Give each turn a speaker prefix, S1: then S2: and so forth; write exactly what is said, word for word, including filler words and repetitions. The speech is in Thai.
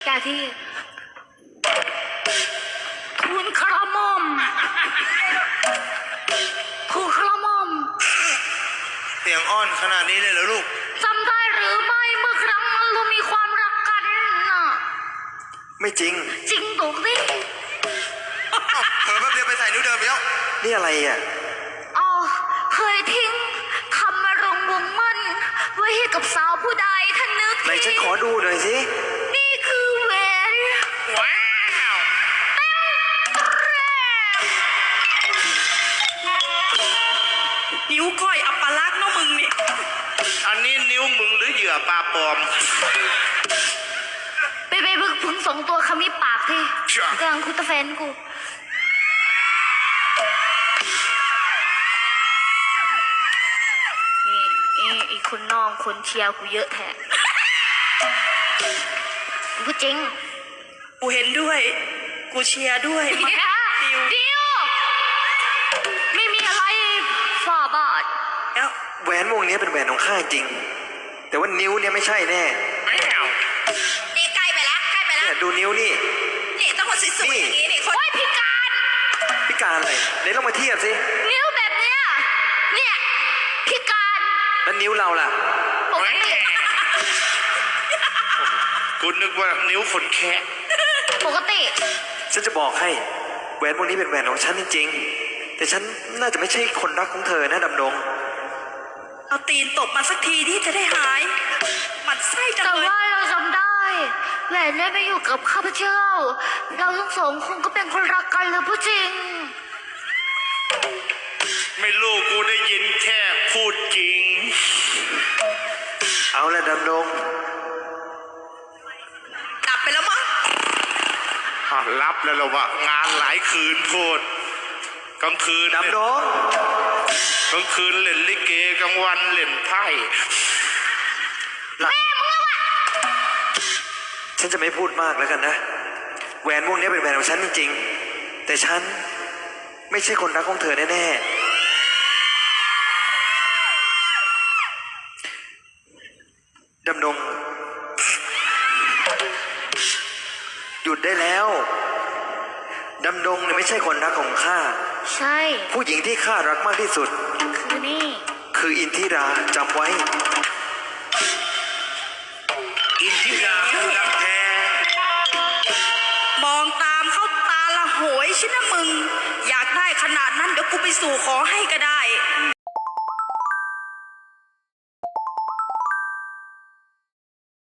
S1: แกที่ทูลกระหม่อมทูลกระหม่อม
S2: เสียงอ้อนขนาดนี้เลยเหรอลูก
S1: จำได้หรือไม่เมื่อครั้งเรามีความรักกันน่ะ
S3: ไม่จริง
S1: จริงถูกดิ
S2: เผลอแป๊บเดียวไปใส่นิ้วเดิมแล้ว
S3: นี่อะไรอ่ะ
S1: อ๋อเคยทิ้งคำมารงวงมั่นไว้ให้กับสาวผู้ใดท่านนึก
S3: ไหนฉันขอดูหน่อยสิ
S1: นี่คือแหวน
S2: ว้าว
S4: นิ้วก้อยอัปลักษณ์เนาะมึงนี่
S2: อันนี้นิ้วมึงหรือเหยื่อปลาปลอม
S1: ไปไปบึกพึ่งสองตัวขมิบปากที่กำลังคุยกับแฟนกูนี่นี่อีกคนน้องคนเชียร์กูเยอะแท้กูจริง
S4: กูเห็นด้วยกูเชียร์ด้วย
S1: ดิวดิวไม่มีอะไรฝ่าบาท
S4: แล้ว
S3: แหวนวงนี้เป็นแหวนของข้าจริงแต่ว่านิ้วเนี่ยไม่ใช่แน่
S4: นี่ใกล้ไปแล้วใกล้ไปแล้ว
S3: เนี่ยดูนิ้วนี่
S4: นี่ต้องคนสวยๆอย่างนี้นี่คน
S1: พิการ
S3: พิการอะไรไหนลองมาเทียบสิ
S1: นิ้วแบบเนี้ยเนี่ยพิการ
S3: แล้วนิ้วเราล่ะ
S1: ปกติ
S2: กูนึกว่านิ้วคนแคะ
S1: ปกติ
S3: ฉันจะบอกให้แหวนวงนี้เป็นแหวนของฉันจริงๆแต่ฉันน่าจะไม่ใช่คนรักของเธอนะดำดง
S4: เอาตีนตบมาสักทีที่จะได้หายมันไส้จังเลย
S1: แต่ว่าเราจำได้แหวนเนี่ยไม่อยู่กับข้าพเจ้าเราทั้งสองคงก็เป็นคนรักกันเลยผู้จริง
S2: ไม่รู้กูได้ยินแค่พูดจริง
S3: เอาละดำดง
S4: กลับไปแล้วมั้ง
S2: รับแล้วเราว่างานหลายคืนโพดกลางคืน
S3: ดำดง
S2: กลางคืนเล่นลิเกกลางวันเล่นไพ่
S1: แม่มึงอะวะ
S3: ฉันจะไม่พูดมากแล้วกันนะแหวนวงนี้เป็นแหวนของฉันจริงๆแต่ฉันไม่ใช่คนรักของเธอแน่ๆดำดงหยุดได้แล้วดำดงเนี่ยไม่ใช่คนรักของข้า
S1: ใช่
S3: ผู้หญิงที่ข้ารักมากที่สุด
S1: คือนี่
S3: คืออินทิราจำไว้
S2: อินทิราคือรักแท้
S4: มองตามเข้าตาละโหยชินะมึงอยากได้ขนาดนั้นเดี๋ยวกูไปสู่ขอให้ก็ได้